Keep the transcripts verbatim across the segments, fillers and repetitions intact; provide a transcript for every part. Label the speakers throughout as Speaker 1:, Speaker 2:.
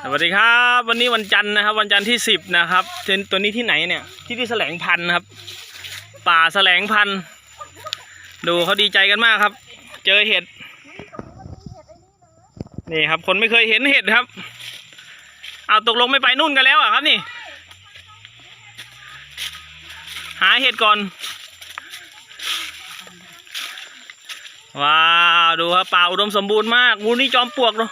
Speaker 1: สวัสดีครับวันนี้วันจันทร์นะครับวันจันทร์ที่สิบนะครับตัวนี้ที่ไหนเนี่ยที่ที่แสลงพันธุ์ครับป่าแสลงพันธุ์ดูเขาดีใจกันมากครับเจอเห็ดนี่ครับคนไม่เคยเห็นเห็ดครับเอาตกลงไม่ไปนู่นกันแล้วอ่ะครับนี่หาเห็ดก่อนว้าวดูครับป่าอุดมสมบูรณ์มากงูนี่จอมปลวกเนาะ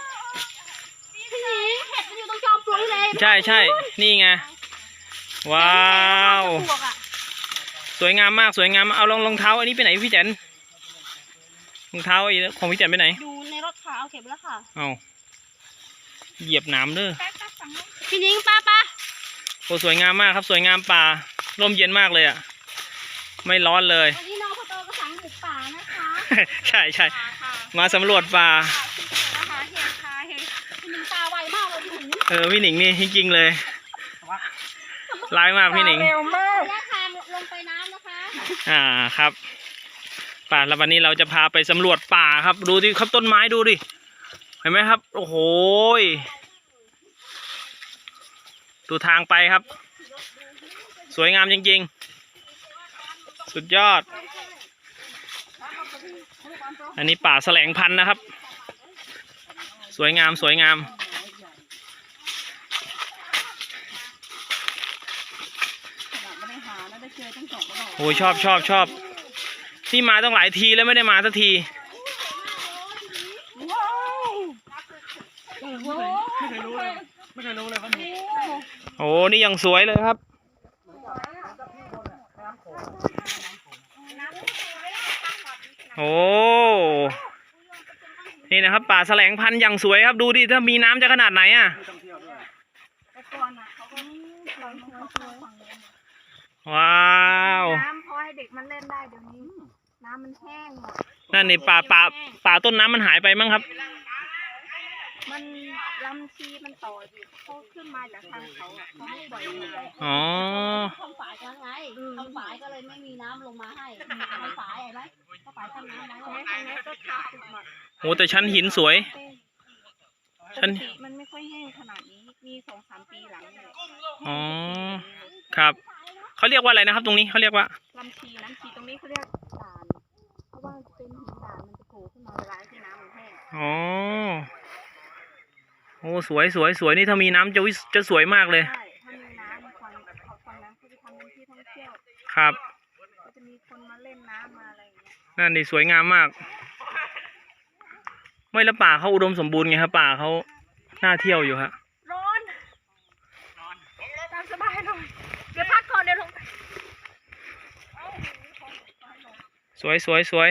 Speaker 1: ใช่ใช่นี่ไงว้าวสวยงามมากสวยงามเอารองรองเท้าอันนี้ไปไหนพี่แจนรองเท้าไอ้ของพี่แจนไปไหน
Speaker 2: อยู่ในรถค่ะเอาเก็บแล้วค่ะ
Speaker 1: เอาเหยียบน้ำเด้อ
Speaker 2: พี่นิ้งป้าป้า
Speaker 1: โอ้สวยงามมากครับสวยงามป่าร่มเย็นมากเลยอ่ะไม่ร้อนเลย
Speaker 2: วันนี้น้องพ่อโตก็สั่งบุกป่านะคะ
Speaker 1: ใช่ใช่มาสำรวจป่า
Speaker 2: นะคะเห็ดค่ะเห็ดพี่นิ้งตาไวมากเลยพี่นิ้ง
Speaker 1: เออพี่หนิงนี่จริงๆเลยร้ายมากพี่หนิง
Speaker 2: เร็วมากแยกทางลงไปน้ำนะคะ
Speaker 1: อ่าครับป่าแล้ววันนี้เราจะพาไปสำรวจป่าครับดูดิครับต้นไม้ดูดิเห็นไหมครับโอ้โหดูทางไปครับสวยงามจริงๆสุดยอดอันนี้ป่าแสลงพันธุ์นะครับสวยงามสวยงามโอ้ยชอบชอบชอบที่มาต้องหลายทีแล้วไม่ได้มาสักทีไม่เคยรู้เลยไม่เคยรู้เลยว่ามีโอ้นี่ยังสวยเลยครับโอ้นี่นะครับป่าแสลงพันธุ์อย่างสวยครับดูดิถ้ามีน้ำจะขนาดไหนอ่ะว้าว
Speaker 2: น้ำพอให้เด็กมันเล่นได้เดี๋ยวนี้น้ำมันแห้งหมด
Speaker 1: นั่นนี่ป่าป่าป่าต้นน้ำมันหายไปมั้งครับ
Speaker 2: มันลำชีมันต่ออยู่เขาขึ้นมาจากทางเขาอ่ะเขาไม่บ่อยเลย
Speaker 1: อ๋อ
Speaker 2: ทำฝายกันไงทำฝายก็เลยไม่มีน้ำลงมาให้ทำฝายเห็นไหมก็ฝายทำน้ำไว้ทางนี้ก็ขาดหมด
Speaker 1: โอ้แต่ชั้นหินสวย
Speaker 2: ชั้นมันไม่ค่อยแห้งขนาดนี้มีสองสามปีหลังเลย
Speaker 1: อ๋อครับเขาเรียกว่าอะไรนะครับตรงนี้เขาเรียกว่า
Speaker 2: ลำชีน้ำชีตรงนี้เขาเรียกด่านเพราะว่าเป็นหินด่านมันจะโผล่ขึ้นมาเวลาที่น้ำมันแห้ง
Speaker 1: อ๋อโอ้สวยสวยสวยนี่ถ้ามีน้ำจะวิจะสวยมากเลย
Speaker 2: ใช่ถ้ามีน้ำมันความเขาฟังน้ำเขาจะทำเป็นที่ท่องเที่ยว
Speaker 1: ครับ
Speaker 2: ก็จะมีคนมาเล่นน้ำมาอะไรอย่างเงี้ย
Speaker 1: นั่นนี่สวยงามมากไม่แล้วป่าเขาอุดมสมบูรณ์ไงครับป่าเขาน่าเที่ยวอยู่ฮะ
Speaker 2: ร้อนร้อนตามสบายหน่อยเดี๋ยวพักก่อนเดี๋ยวลง
Speaker 1: สวยสวยสวย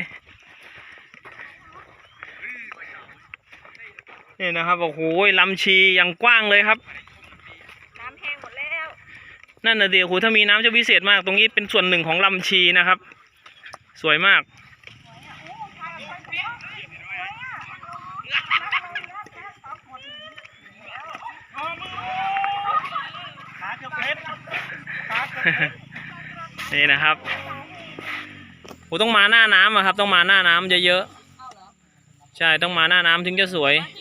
Speaker 1: นี่นะครับโอ้โหลำชีอย่างกว้างเลยครับ
Speaker 2: น้ำแห้งหมดแล้ว
Speaker 1: นั่นน่ะเดี๋ยวโหถ้ามีน้ำจะพิเศษมากตรงนี้เป็นส่วนหนึ่งของลำชีนะครับสวยมากนี่นะครับโอ้ต้องมาหน้าน้ำอะครับต้องมาหน้าน้ำเยอะๆใช่ต้องมาหน้าน้ำถึงจะสวย